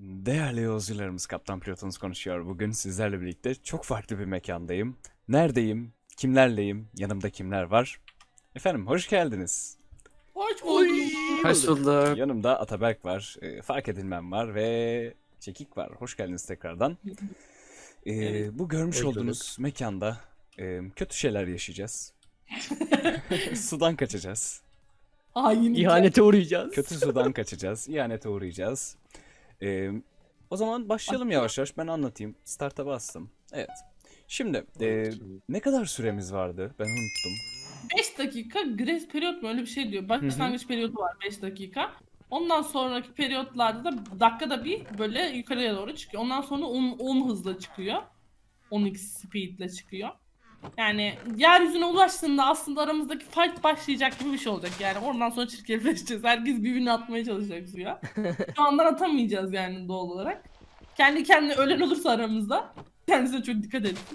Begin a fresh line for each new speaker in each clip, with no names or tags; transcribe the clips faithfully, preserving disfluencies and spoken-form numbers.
Değerli yolcularımız, Kaptan Pilotunuz konuşuyor. Bugün sizlerle birlikte çok farklı bir mekandayım. Neredeyim? Kimlerleyim? Yanımda kimler var? Efendim, hoş geldiniz.
Hoş bulduk.
Hoş bulduk.
Yanımda Ataberk var, e, Fark Edilmem var ve Çekik var. Hoş geldiniz tekrardan. E,
Evet.
Bu görmüş
Hoş
olduğunuz mekanda e, kötü şeyler yaşayacağız. Sudan kaçacağız.
Hain.
İhanete uğrayacağız.
Kötü sudan kaçacağız. İhanete uğrayacağız. Ee, O zaman başlayalım yavaş yavaş. Ben anlatayım. Start'a bastım. Evet. Şimdi e, ne kadar süremiz vardı? Ben unuttum.
beş dakika grace periyot mu öyle bir şey diyor. Başlangıç periyodu var beş dakika. Ondan sonraki periyotlarda da dakikada bir böyle yukarıya doğru çıkıyor. Ondan sonra on, on hızla çıkıyor. on x speedle çıkıyor. Yani yeryüzüne ulaştığında aslında aramızdaki fight başlayacak gibi bir şey olacak yani. Oradan sonra çirkefleşeceğiz. Herkes birbirini atmaya çalışacak suya. Şu andan atamayacağız yani doğal olarak. Kendi kendine ölen olursa aramızda kendisine çok dikkat edin.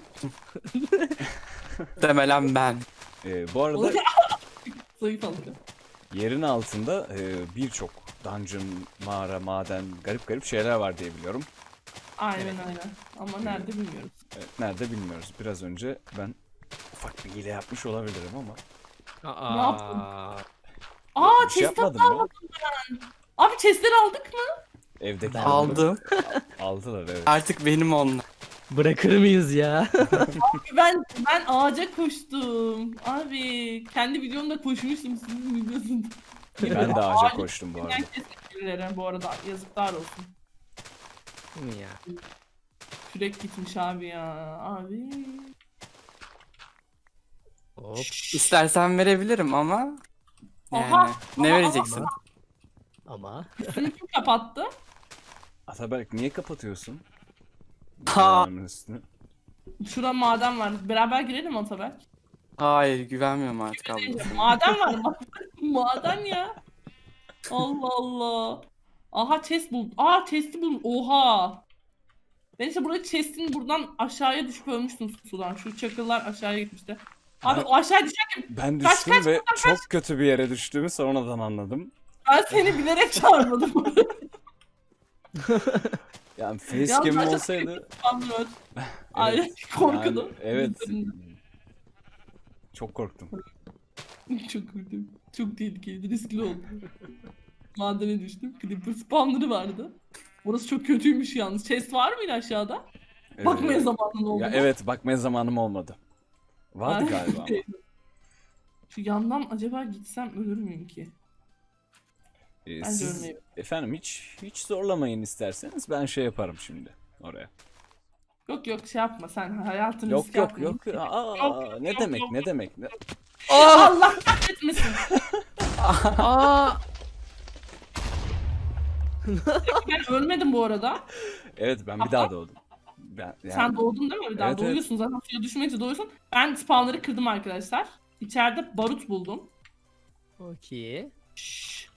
Demelen ben.
E, bu arada
Zayıf alıyor.
yerin altında e, birçok dungeon, mağara, maden, garip garip şeyler var diye biliyorum.
Aynen aynen. Ama nerede bilmiyoruz.
Evet, nerede bilmiyoruz. Biraz önce ben ufak bir hile yapmış olabilirim ama.
Aa.
Ne yaptın? Aa
Bir şey
chest
yapmadım ya.
Abi chestleri aldık mı?
Evdeki
Aldım.
Aldılar, evet.
Artık benim onlar.
Bırakır mıyız ya?
Ben ben ağaca koştum. Abi kendi videomda koşmuştum sizin videosunda.
Ben de ağaca koştum bu arada.
Herkese bu arada yazıklar olsun.
ya.
Kürek gitmiş abi ya. Abi.
Hop.
İstersen verebilirim ama. Yani
Aha,
ne
aha,
vereceksin?
Ama
Üstünü kim kapattı?
Ataberk niye kapatıyorsun?
Ha.
Dünyanın üstünü.
Şura maden var. Beraber girelim Ataberk.
Hayır, güvenmiyorum artık ablası.
Maden var mı? Maden ya. Allah Allah. Aha chest bul. Aa chest'i bul. Oha. Ben işte burada chest'in buradan aşağıya düşüp ölmüştüm sudan. Şu çakıllar aşağıya gitmişti. Abi
Ben-
o aşağıya düşerken
Ben
Kaç,
düştüm
kaç,
ve çok kötü bir yere düştüğümü sonradan anladım.
ben seni bilerek çağırmadım.
Yani
Ya
facecam
zaten-
olsaydı...
Anlıyor. Ay
Evet,
korkudum.
yani evet.
Üzerinde.
Çok korktum.
Çok kötü. Çok tehlikeli. Riskli oldu. Madene düştüm. Creeper spawner'ı vardı. Burası çok kötüymüş yalnız. Chest var mıydı aşağıda?
Ee,
Bakmaya zamanın oldu.
Ya
mu?
evet, bakmaya zamanım olmadı. Vardı
Ay.
galiba ama.
Şu yandan acaba gitsem ölür müyüm ki?
Ee,
Ben
siz
görmeyeyim.
efendim hiç hiç zorlamayın isterseniz, ben şey yaparım şimdi oraya.
Yok yok şey yapma sen hayatını
Yok
riske
yok
atma.
yok. Aa,
Yok,
ne
yok,
demek
yok.
ne demek? Ne...
Allah kahretmesin.
Aa!
Ben ölmedim bu arada.
Evet, ben bir daha doğdum. Ben, yani,
Sen doğdun değil mi? Bir daha
Evet, evet.
doğuyorsun zaten suya düşmeyince doğuyorsun. Ben spawnları kırdım arkadaşlar. İçeride barut buldum.
Okey.
Şşş.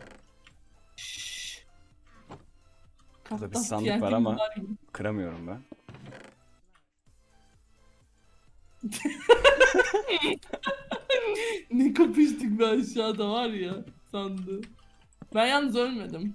Şşş.
Burada bir
Kaptan
sandık
T N T
var ama-
var gibi.
kıramıyorum ben.
Ne kapıştık be aşağıda var ya sandı. Ben yalnız ölmedim.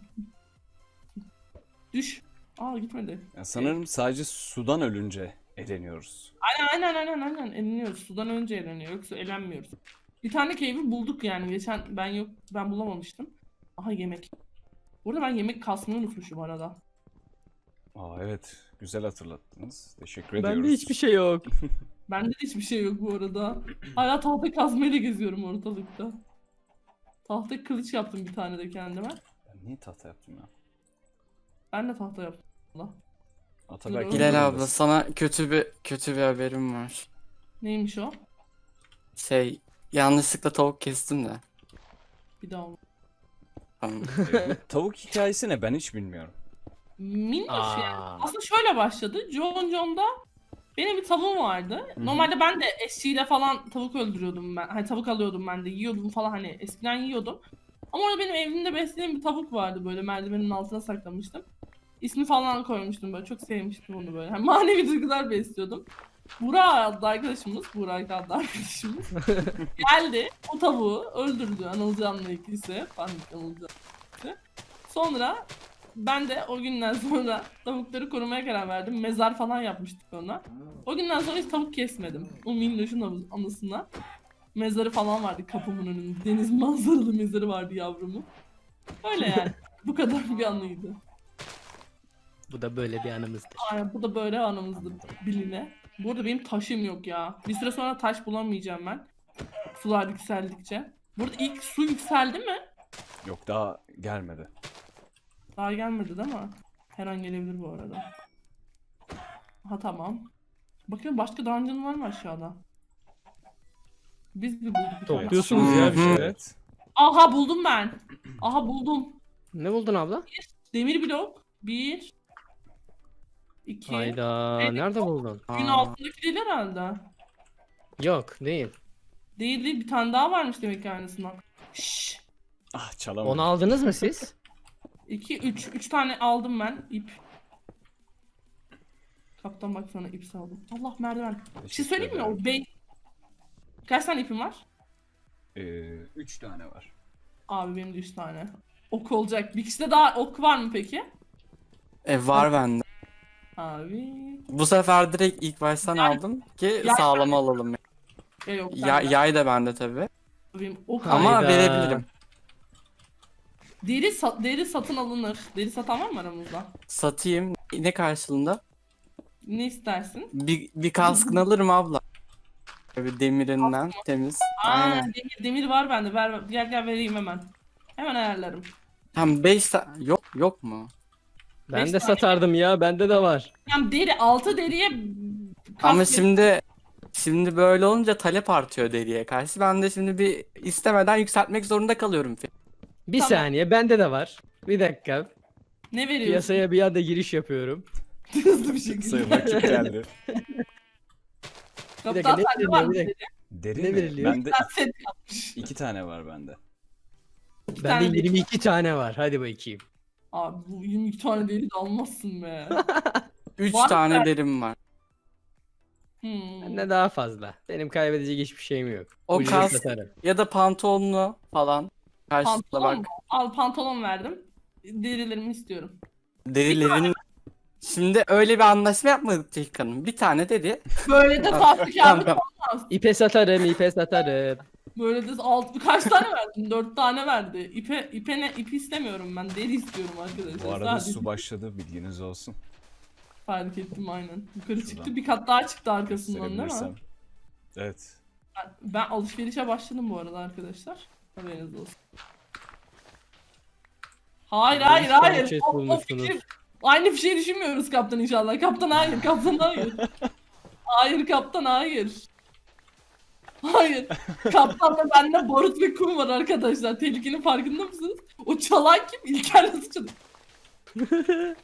Düş. Aa gitmedi.
Ya sanırım sadece sudan ölünce eleniyoruz.
Aynen aynen aynen aynen eleniyoruz. Sudan önce eleniyor yoksa elenmiyoruz. Bir tane cave'i bulduk yani geçen ben yok ben bulamamıştım. Aha yemek. Burada ben yemek kasmayı unutmuşum arada.
Aa evet, güzel hatırlattınız. Teşekkür ediyoruz.
Bende hiçbir şey yok.
Bende de hiçbir şey yok bu arada. Hala tahta kazmayla geziyorum ortalıkta. Tahta kılıç yaptım bir tane de kendime.
Ben niye tahta yaptım ya?
Ben de tahta yaptım. Allah.
Ataberk
Hilal
Hilal abla, sana kötü bir kötü bir haberim var.
Neymiş o?
Şey, yanlışlıkla tavuk kestim de.
Bir daha olmaz.
Tamam.
E, bu tavuk hikayesi ne? Ben hiç bilmiyorum.
Minnoş yani.
Aa.
Aslında şöyle başladı. John John'da benim bir tavuğum vardı. Normalde ben de eşeğiyle falan tavuk öldürüyordum ben. Hani tavuk alıyordum ben de yiyordum falan hani eskiden yiyordum. Ama orada benim evimde beslediğim bir tavuk vardı böyle merdivenin altına saklamıştım. İsmi falan koymuştum böyle çok sevmiştim onu böyle. Hani manevi duygular besliyordum. Burak adlı arkadaşımız, Burak adlı arkadaşımız geldi o tavuğu öldürdü Anılcan'la ikisi. Panik Anılcan. Sonra ben de o günden sonra tavukları korumaya karar verdim. Mezar falan yapmıştık ona. O günden sonra hiç tavuk kesmedim. O minnoşun anı- anısına. Mezarı falan vardı kapımın önünde. Deniz manzaralı mezarı vardı yavrumun. Öyle yani. Bu kadar bir anıydı.
Bu da böyle bir anımızdır.
Aynen bu da böyle anımızdı biline. Bu arada benim taşım yok ya. Bir süre sonra taş bulamayacağım ben. Sular yükseldikçe. Burada ilk su yükseldi mi?
Yok daha gelmedi.
Daha gelmedi değil mi? Her an gelebilir bu arada. Ha tamam. Bakın başka dungeon var mı aşağıda? Biz bir bulduk bir tane.
Topluyorsunuz ya bir şeyler.
Evet.
Aha buldum ben. Aha buldum.
Ne buldun abla?
Demir blok. Bir. İki.
Hayda.
Evet.
Nerede buldun?
Gün
Aa.
altındaki değil herhalde.
Yok değil.
Değil değil bir tane daha varmış demek ki aynısından. Şşş.
Ah çalamadım.
Onu aldınız mı siz?
iki, üç. Üç tane aldım ben ip. Kaptan bak sana ip saldım. Allah merdiven. Bir şey
Teşekkür
söyleyeyim mi?
ederim.
O bey... Kaç tane ipim var?
Ee, üç tane var.
Abi benim de üç tane. Ok olacak. Bir kişide daha ok var mı peki?
E var bende.
Abi.
Bu sefer direkt ilk baştan aldım ki
Ya-
sağlama alalım.
Ya yok
Ya,
bende.
yay da bende tabii.
Benim ok
Ama
Hayda.
verebilirim.
Deri, sa- deri satın alınır. Deri satan var mı aramızda?
Satayım. Ne karşılığında?
Ne istersin?
Bir, bir kaskını alırım abla. Böyle demirinden temiz.
Aa,
Aynen.
demir, demir var bende. Ver, gel gel vereyim hemen. Hemen ayarlarım.
Tam beş yok yok mu?
Ben
Beş
de
tane.
satardım ya. Bende de var.
Yani deri, altı deriye
Ama
kask-
şimdi şimdi böyle olunca talep artıyor deriye karşı. Ben de şimdi bir istemeden yükseltmek zorunda kalıyorum.
Bir
Tamam.
saniye. Bende de var. Bir dakika.
ne veriyorsun?
Piyasaya bir anda giriş yapıyorum.
Hızlı bir şekilde.
Sayın vakit geldi.
Bir dakika,
Kaptan
ne
sende var
veriliyor,
mı
bir
deri?
dakika.
Deri
Ne
mi?
veriliyor?
Bende
Ben set yapmış.
iki tane var bende.
İki tane
Bende
deri.
yirmi iki tane var. Hadi bakayım.
Abi bu yirmi iki tane deri de almazsın be.
Üç
Var mı
tane
ben-
derim var.
Hmm.
Bende daha fazla. Benim kaybedecek hiçbir şeyim yok.
O
Ucuza
kas-
satarım.
Ya da pantolonlu falan. Karşılıklı
Pantolon
bak.
mu? Al pantolon verdim. Derilerimi istiyorum.
Derilerin şimdi öyle bir anlaşma yapmadık Cenk Hanım. Bir tane deri.
Böyle de
Tamam,
tatlı
tamam.
İpe satarım, ipe satarım.
Böyle de alt kaç tane verdin? Dört tane verdi. İpe ipe ne ip istemiyorum ben. Deri istiyorum arkadaşlar.
Bu arada
Sadece
su başladı bilginiz olsun.
fark ettim aynen. Yukarı
Şuradan
çıktı. Bir kat daha çıktı arkasından değil mi?
Gösterebilirsem. Evet.
Ben, ben alışverişe başladım bu arada arkadaşlar. Haberiniz olsun. Hayır hayır
Değişik
hayır.
bir şey
O- o
bulmuşsunuz.
fikir- Aynı bir şey düşünmüyoruz kaptan inşallah. Kaptan hayır. Kaptan hayır. Hayır kaptan hayır. Hayır. Kaptanla bende barut ve kum var arkadaşlar. Tehlikenin farkında mısınız? O çalan kim? İlker nasıl çalıyor?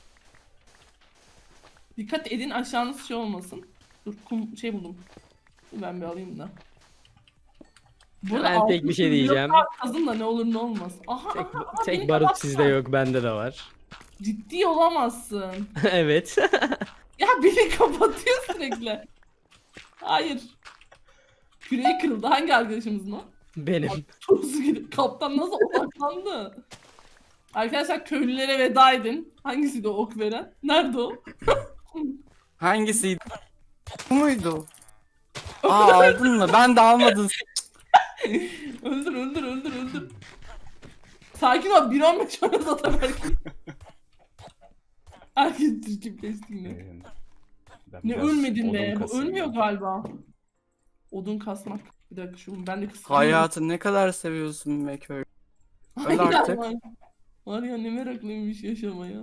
Dikkat edin aşağınız şey olmasın. Dur kum şey buldum. Dur ben bir alayım da. Burada
Ben tek
altın
bir şey
bloklar
diyeceğim.
Kazın da ne olur ne olmaz. Aha
Tek,
aha, aha
tek
beni
barut
kapattı.
sizde yok, bende de var.
Ciddi olamazsın.
Evet.
Ya beni kapatıyor sürekli. Hayır. Küreği kırıldı. Hangi arkadaşımızın o?
Benim.
Tozu gibi. Kaptan nasıl odaklandı? Arkadaşlar köylülere veda edin. Hangisiydi o ok veren? Nerede o?
Hangisiydi? Bu muydu? Aa aldın mı? Ben de almadım.
öldür öldür öldür öldür. Sakin ol. bir on beş ona zaten belki. Herkes çirkefleşti yine.
Ee, ben
Ne
biraz
ölmedin
odun
be. Bu
kasayım
ölmüyor
ya.
galiba. Odun kasmak. Bir dakika şu ben de kıskanıyorum.
Hayatı ne kadar seviyorsun be köy. Öl
Aynen
artık.
var. Var ya ne meraklıymış yaşamaya.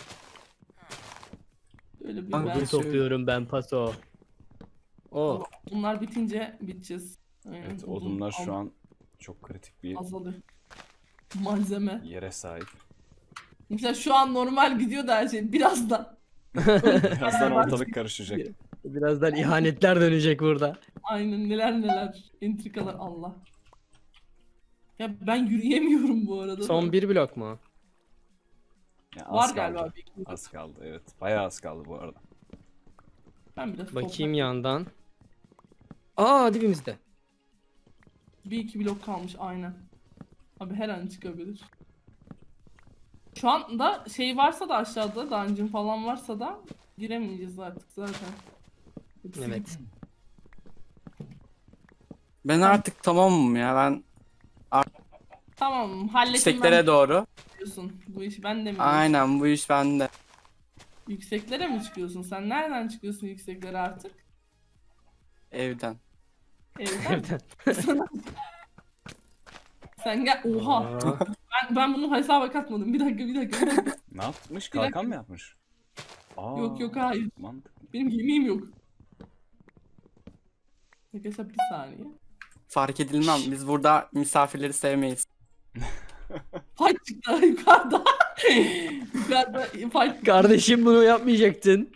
Öyle bir
Abi
ben.
Odun
şey-
topluyorum ben paso. O.
Bunlar bitince biteceğiz. Aynen,
Evet
odun
odunlar şu
al-
an çok kritik bir
azalıyor. Malzeme.
yere sahip.
Mesela şu an normal gidiyor da her şey. Birazdan.
Birazdan ortalık karışacak.
Birazdan ihanetler dönecek burada.
Aynen neler neler. Entrikalar Allah. Ya ben yürüyemiyorum bu arada.
Son
da.
bir blok mu?
Ya
Var
az
galiba
kaldı.
bir iki.
Az kaldı evet. Bayağı az kaldı bu arada.
Ben biraz
Bakayım
toprak-
yandan. Aa dibimizde.
Bir iki blok kalmış aynen. Abi her an çıkabilir. Şu anda şey varsa da aşağıda dungeon falan varsa da giremeyeceğiz artık zaten. Hepsi
Evet.
gitti.
Ben artık tamamım ya. Ben
Tamam hallettim
yükseklere
ben
doğru.
diyorsun. Bu iş bende mi?
Aynen bu iş bende.
Yükseklere mi çıkıyorsun? Sen nereden çıkıyorsun yükseklere artık?
Evden.
Evden.
Evden.
Sana- Sen gel. Oha.
Aa,
Ben, ben bunu hesaba katmadım. Bir dakika bir dakika. Bir dakika.
Ne yapmış?
Bir dakika.
Kalkan mı yapmış? Aa,
Yok, yok, hayır.
mantıklı.
Benim yemeğim yok. Arkadaşlar bir saniye.
Fark edilmem. Biz burada misafirleri sevmeyiz.
Fight çıktı yukarıda. Yukarıda fight.
kardeşim bunu yapmayacaktın.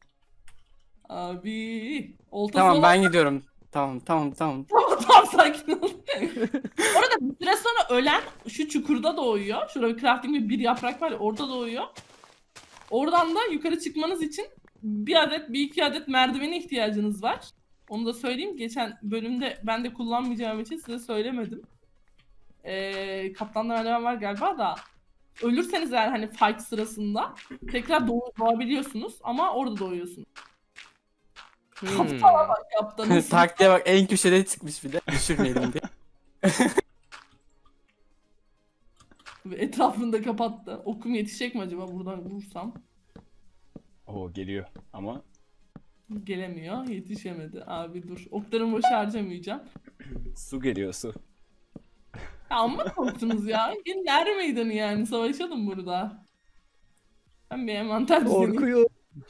Abi. Oltası
Tamam
olan-
ben gidiyorum. Tamam tamam tamam.
Tamam tamam sakin ol. Orada bir süre sonra ölen şu çukurda doğuyor. Şurada bir crafting bir, bir yaprak var ya orada doğuyor. Oradan da yukarı çıkmanız için bir adet bir iki adet merdivene ihtiyacınız var. Onu da söyleyeyim. Geçen bölümde ben de kullanmayacağım için size söylemedim. Ee, kaptanda merdiven var galiba da. Ölürseniz eğer hani fight sırasında tekrar doğ doğabiliyorsunuz ama orada doğuyorsunuz.
Hmm.
Kaptana bak kaptanın.
Taktiğe bak en köşede çıkmış bir de. Düşürmeyelim diye.
Etrafını da kapattı. Okum yetişecek mi acaba buradan vursam?
Oo geliyor ama
Gelemiyor. Yetişemedi. Abi dur. Oklarımı boş harcamayacağım.
su geliyor su.
Ya amma korktunuz ya. Gelin er meydanı yani. Savaşalım burada. Ben bir envanter düzenleyeyim.
Korkuyor.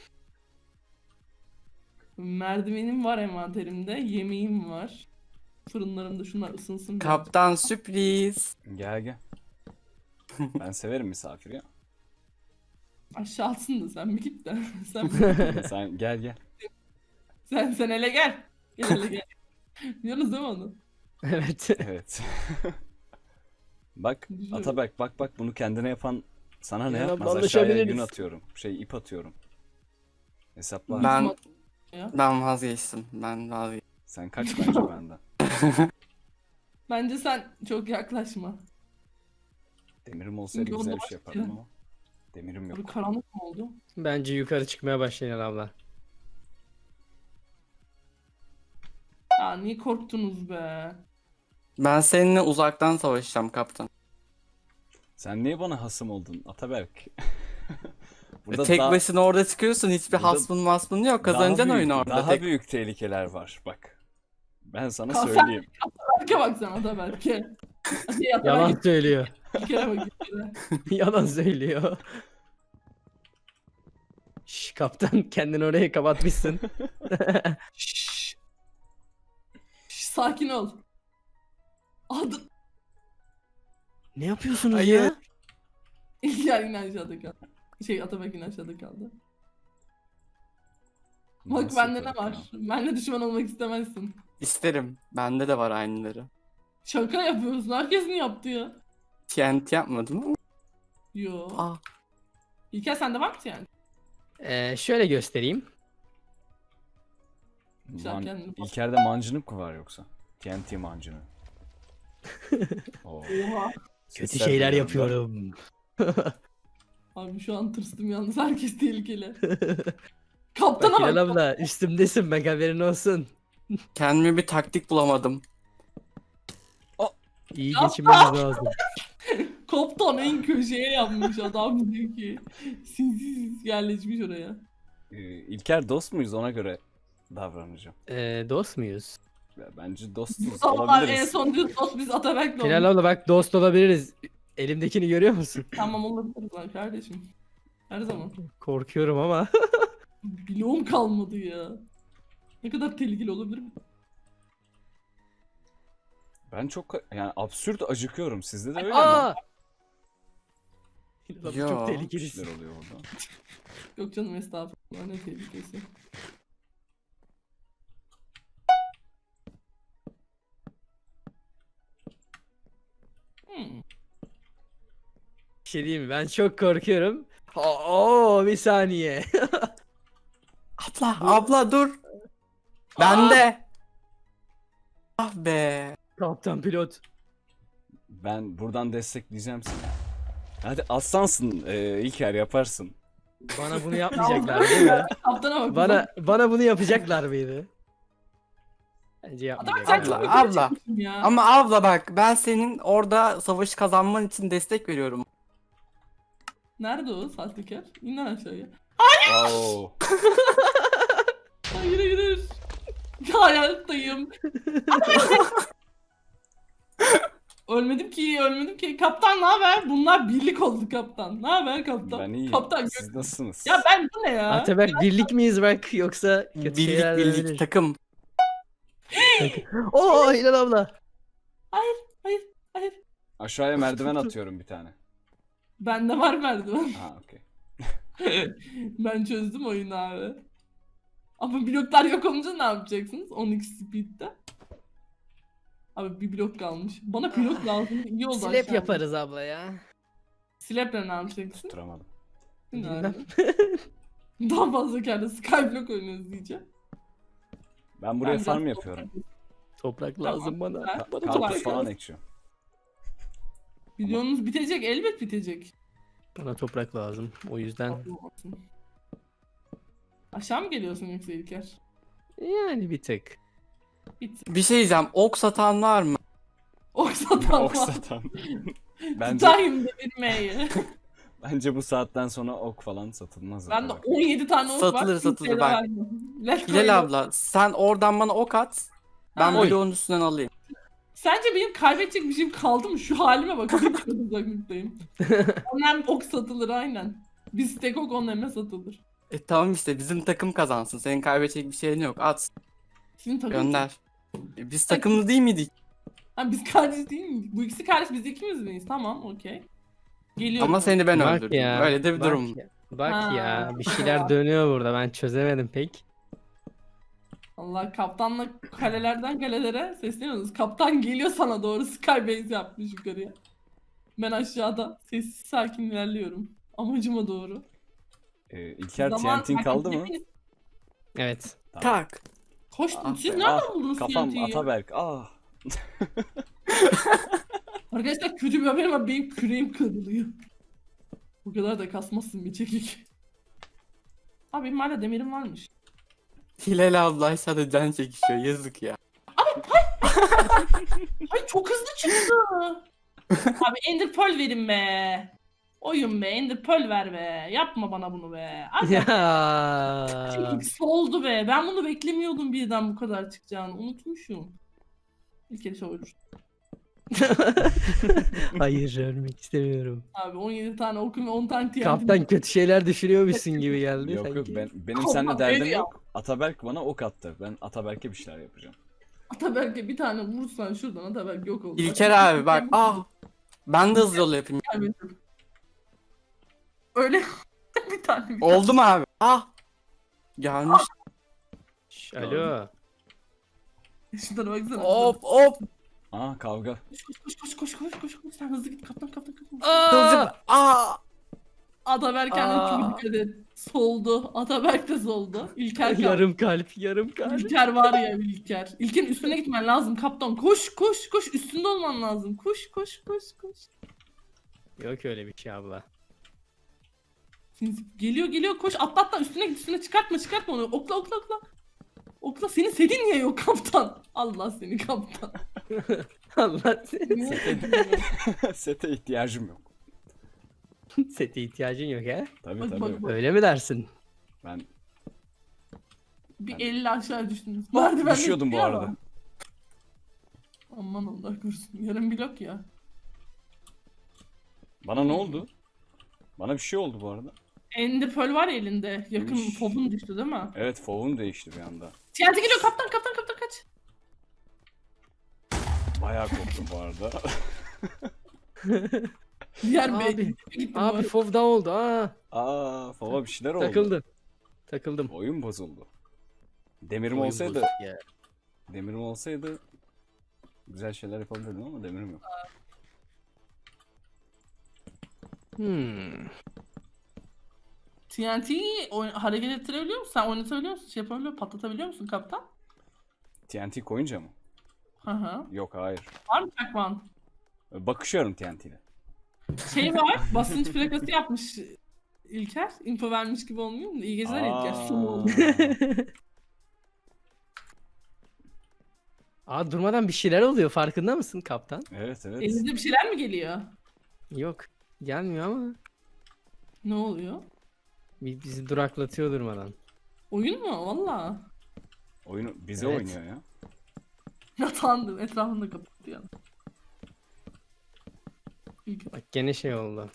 Merdivenim var envanterimde. Yemeğim var. Fırınlarımda şunlar ısınsın. biraz.
Kaptan sürpriz.
Gel gel. Ben severim misafir ya.
Aşağı atsın da sen bir git de. sen,
Sen gel gel.
sen, sen hele gel. Gel hele gel. Biliyorsunuz değil mi onu?
Evet.
Evet. Bak
Güzel.
Atabek bak bak bunu kendine yapan sana ne
Ya,
yapmaz? Aşağıya
anlaşabiliriz.
gün atıyorum. Şey ip atıyorum. Hesapla.
Ben
Ya.
ben vazgeçtim. Ben vazgeçtim.
Sen kaç bence benden.
Bence sen çok yaklaşma.
Demirim olsaydı
Çünkü
güzel
onda
bir şey
başka-
yapardım ama. Demirim
Abi
yok.
karanlık mı oldu?
Bence yukarı çıkmaya başlayın abla.
Ya niye korktunuz be?
Ben seninle uzaktan savaşacağım kaptan.
Sen niye bana hasım oldun Ataberk? Burada
Tek
daha-
başına orada çıkıyorsun. Hiçbir
Burada
hasmın masmın yok.
daha
Kazanacaksın
büyük-
oyunu orada.
Daha
tek.
büyük tehlikeler var bak. Ben sana
Kalk sen-
söyleyeyim.
Berke bak sana da Berke. Hadi yat
Yalan
ben
söylüyor.
bir kere bak bir kere.
Yalan söylüyor. Şş, kaptan kendini oraya kapatmışsın.
Şşş. Şşş, sakin ol. Adı...
Ne yapıyorsunuz
Hayır.
ya?
İlker yine aşağıda kaldı. Şey Atabek yine aşağıda kaldı. Bak
Nasıl
bende ne
yaparım
var?
ya?
Benle düşman olmak istemezsin.
İsterim. Bende de var aynıları.
Şaka yapıyorsun. Herkes mi yaptı ya?
T N T yapmadım ama.
Yo.
Aa,
İlker sende var mı yani?
Ee, şöyle göstereyim.
Güzel,
Man-
kendini bak.
İlker'de mancınık mı var yoksa? T N T mancını. Oo.
Oha.
Kötü
Sesler
şeyler
duyuyorum ben.
yapıyorum.
Abi şu an tırstım yalnız. Herkes tehlikeli. Kaptana
Bak
bak.
Hilal abla üstümdesin bak haberin olsun.
kendime bir taktik bulamadım.
İyi geçinmemiz lazım.
Kaptan en köşeye yapmış adam diyor ki. Sinsiz yerleşmiş oraya.
Ee, İlker dost muyuz ona göre davranacağım.
Ee, dost muyuz?
Ya bence dostuz
Allah en
olabiliriz.
son diyor dost biz Atabek'le
Hilal
olduk.
abla bak dost olabiliriz. Elimdekini görüyor musun?
Tamam olabiliriz lan kardeşim. Her zaman.
Korkuyorum ama.
Bloğum kalmadı ya. Ne kadar tehlikeli olabilir mi?
Ben çok yani absürt acıkıyorum. Sizde de öyle mi?
Aa! Hilal abla
Yo.
çok
Bir
tehlikelisin.
şeyler oluyor orada.
Yok canım estağfurullah ne tehlikesi. Hmm.
Bir şey diyeyim mi? Ben çok korkuyorum. Oo bir saniye.
Abla, abla dur. Bende. Ah be.
Kaptan pilot.
Ben buradan destekleyeceğim seni. Hadi aslansın e, İlker yaparsın.
Bana bunu yapmayacaklar değil mi?
Kaptana bak.
Bana bana bunu yapacaklar mıydı? Bence
Adam sen
yapmayacaklar.
çok
Abla,
yukarı
abla.
çıkmışsın ya.
Ama abla bak ben senin orada savaşı kazanman için destek veriyorum.
Nerede o sahtekar? İn lan aşağıya.
Oo.
Hayır hayır. Hayattayım. Ölmedim ki, ölmedim ki. Kaptan ne haber? Bunlar birlik oldu kaptan. Ne haber kaptan?
Ben iyiyim.
Kaptan
Siz
gö-
nasılsınız?
Ya ben bu ne ya?
Ataberk birlik miyiz bak yoksa kötü
Birlik
şeyler
birlik
olabilir.
takım.
Oo Hilal abla.
Hayır, hayır, hayır.
Aşağıya merdiven atıyorum bir tane.
Bende var merdiven.
Ha okey.
Ben çözdüm oyunu abi. Ama bloklar yok olunca ne yapacaksınız? on iki speed'de. Abi bir blok kalmış. Bana blok lazım. İyi oldu
Slap
aşağıda.
yaparız abla ya.
Slap'le ne yapacaksın?
Tutturamadım.
Ne
Bilmem.
abi? Daha fazla kendi Skyblock oynuyoruz diyeceğim.
Ben buraya
Ben
farm
biraz-
yapıyorum.
Toprak
Tamam,
lazım bana.
güzel.
Bana
Karpuz
toprak
falan
lazım.
ekşiyorum.
Videonuz bitecek, elbet bitecek.
Bana toprak lazım. O yüzden
Olmasın. Aşağı mı geliyorsun yoksa İlker?
yani bir tık.
Bit.
Bir şey diyeceğim. Ok satan var mı?
Oksatan
Ok
var.
satan. Bence,
Tutayım devirmeyi.
bence bu saatten sonra ok falan satılmaz.
Ben de
zaten.
on yedi tane ok var.
Satılır, satılır,
kimseye de
bak.
vermem. Let's go.
Hilal abla sen oradan bana ok at. Ben
Ha.
bloğun üstünden alayım.
Sence benim kaybedecek bir şeyim kaldı mı? Şu halime bak. Bir çok uzaklıktayım. Ondan ok satılır aynen. Biz tek ok onlarına satılır.
E tamam işte bizim takım kazansın. Senin kaybedecek bir şeyin yok. At
Sizin takım.
gönder. E, biz takımlı değil miydik?
Ha, biz kardeş değil miyiz? Bu ikisi kardeş, biz ikimiz miyiz? Tamam, okey. Geliyorum.
Ama seni ben
Bak
öldürdüm.
ya.
Öyle de bir
bak
durum.
ya, Bak
Ha.
ya bir şeyler dönüyor burada ben çözemedim pek.
Allah, kaptanla kalelerden kalelere sesleniyoruz. Kaptan geliyor sana doğru, skybase yapmış yukarıya. Ben aşağıda sessiz sakin ilerliyorum. Amacıma doğru.
Ee, İlker
Zaman-
T N T'in kaldı mı?
Hepiniz
Evet.
Tak.
Koştun.
Ah
Siz
be,
nereden
Ah,
buldunuz
kafam
T N T'yi?
Ataberk. Ah.
Arkadaşlar kötü bir haberim var. Benim küreğim kırılıyor. Bu kadar da kasmazsın bir çekik. Abi benim hala demirim varmış.
Hilal abla aşağıda can çekişiyor. Yazık ya.
Ay çok hızlı çıktı. Abi Ender Pearl verin be. Oyun be, Ender Pearl ver be. Yapma bana bunu be. Abi
Ya.
çekik soldu be. Ben bunu beklemiyordum birden bu kadar çıkacağını. Unutmuşum. İlk kere olur.
Hayır ölmek istemiyorum.
Abi on yedi tane okum ve on tane T N T.
Kaptan kötü şeyler düşünüyormuşsun gibi geldi
Yok
sanki.
yok ben benim
Aman
seninle derdim
geliyor.
yok. Ataberk bana ok attı. Ben Ataberk'e bir şeyler yapacağım.
Ataberk'e bir tane vursan şuradan Ataberk yok oldu.
İlker abi bak. Ah. Ben de hızlı yol yapayım.
Kaybettim. Öyle bir tane bir tane.
Oldu mu abi? Ah. Gelmiş.
Şş, alo.
Şunlara baksana.
Hop hop.
Aa kavga.
Koş koş koş koş koş koş koş. Sen hızlı git kaptan kaptan kaptan.
Kılıcım. Ah.
Ataberk kendine
Aa.
çok dikkat et. Soldu. Ataberk de soldu. İlker kaldı.
Yarım kalp yarım kalp.
İlker var ya İlker. İlker'in üstüne gitmen lazım kaptan. Koş koş koş. Üstünde olman lazım. Koş koş koş koş.
Yok öyle bir şey abla.
Sinsi- Geliyor geliyor koş. Atla atla üstüne git üstüne çıkartma çıkartma onu. Okla okla okla. Okla, senin sedin niye yok kaptan? Allah seni kaptan.
Allah seni.
Sete ihtiyacım yok.
Sete ihtiyacın yok he?
Tabii
Bak,
tabii.
bak, bak.
Öyle mi dersin?
Ben
Bir elli aşağı düştünüz. Merdivenden
düşüyordum bu
gidiyor
arada.
ama. Aman Allah korusun. Yarım blok ya.
Bana ne oldu? Bana bir şey oldu bu arada.
Ender Pearl var ya elinde. Yakın
Üş.
popun düştü değil mi?
Evet fovum değişti bir anda.
T N T geliyor kaptan kaptan kaptan kaç.
Bayağı korktum bu arada.
Diğer
Abi,
bey gitti bu
Abi
arada.
fov da oldu ha.
Aa fova bir şeyler oldu.
Takıldım. Takıldım.
Oyun bozuldu. Demirim
Oyun
olsaydı,
bozuk ya.
demirim olsaydı güzel şeyler yapabilirdim ama demirim yok.
Hmm.
T N T'yi oyn- hareket ettirebiliyor musun? Sen oynatabiliyor musun? Şey yapabiliyor musun? Patlatabiliyor musun kaptan?
T N T koyunca mı?
Hı hı.
Yok hayır.
Var mı çakman?
Bakışıyorum T N T ile.
Şey var, basınç plakası yapmış İlker. Info vermiş gibi olmuyor mu? İyi geceler İlker. Son oldu.
Aa durmadan bir şeyler oluyor, farkında mısın kaptan?
Evet evet.
Elinizde bir şeyler mi geliyor?
Yok, gelmiyor ama
Ne oluyor?
bi- bizi duraklatıyor durmadan.
Oyun mu? Valla.
Oyunu bize
Evet.
oynuyor ya.
Yatandım. Etrafını da kapattı yani. İlker.
Bak gene şey oldu.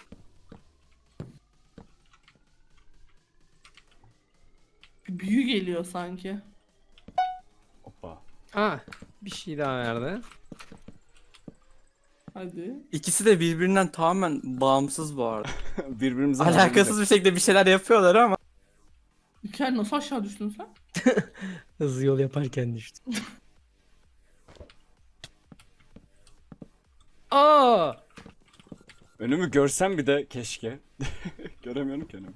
Bir büyü geliyor sanki.
Hoppa.
Aa bir şey daha verdi.
Hadi.
İkisi de birbirinden tamamen bağımsız bu arada.
Birbirimize
Alakasız bir şekilde bir şeyler yapıyorlar ama.
İlker nasıl aşağı düştün sen?
Hızlı yol yaparken düştü. Aa!
Önümü görsem bir de keşke. Göremiyorum ki önümü.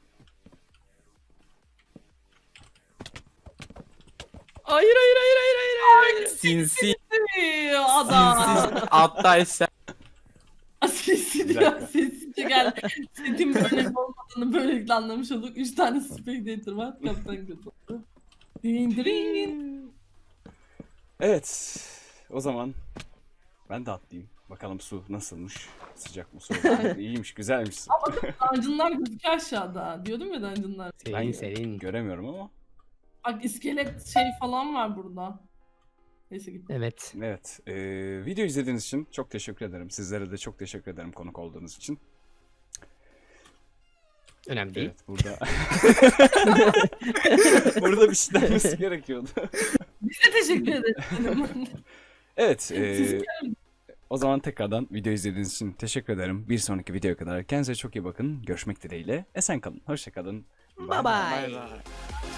Hayır hayır hayır hayır hayır hayır.
Sinsi,
Ee, Adam.
sinsi atla eşya.
Sesi
Bir
diyor.
dakika.
Sessizce gel. Setin böyle olmadığını böylelikle anlamış olduk. Üç tane spectator var. Kaptan katıldı. Din din.
Evet. O zaman ben de atlayayım. Bakalım su nasılmış? Sıcak mı soğuk mu? İyiymiş, güzelmiş su.
Dungeonlar gözüküyor aşağıda. Diyordum ya dungeonlar.
Serin
Ben
serin.
göremiyorum ama.
Bak iskelet şey falan var burada. Neyse git.
Evet.
Evet. E, video izlediğiniz için çok teşekkür ederim. Sizlere de çok teşekkür ederim konuk olduğunuz için.
Önemli değil.
Evet burada. Burada bir şey denmesi gerekiyordu.
Biz de teşekkür ederiz.
Evet. e,
Siz
o zaman tekrardan video izlediğiniz için teşekkür ederim. Bir sonraki videoya kadar kendinize çok iyi bakın. Görüşmek dileğiyle. Esen kalın. Hoşça kalın.
Bye bye.
bye.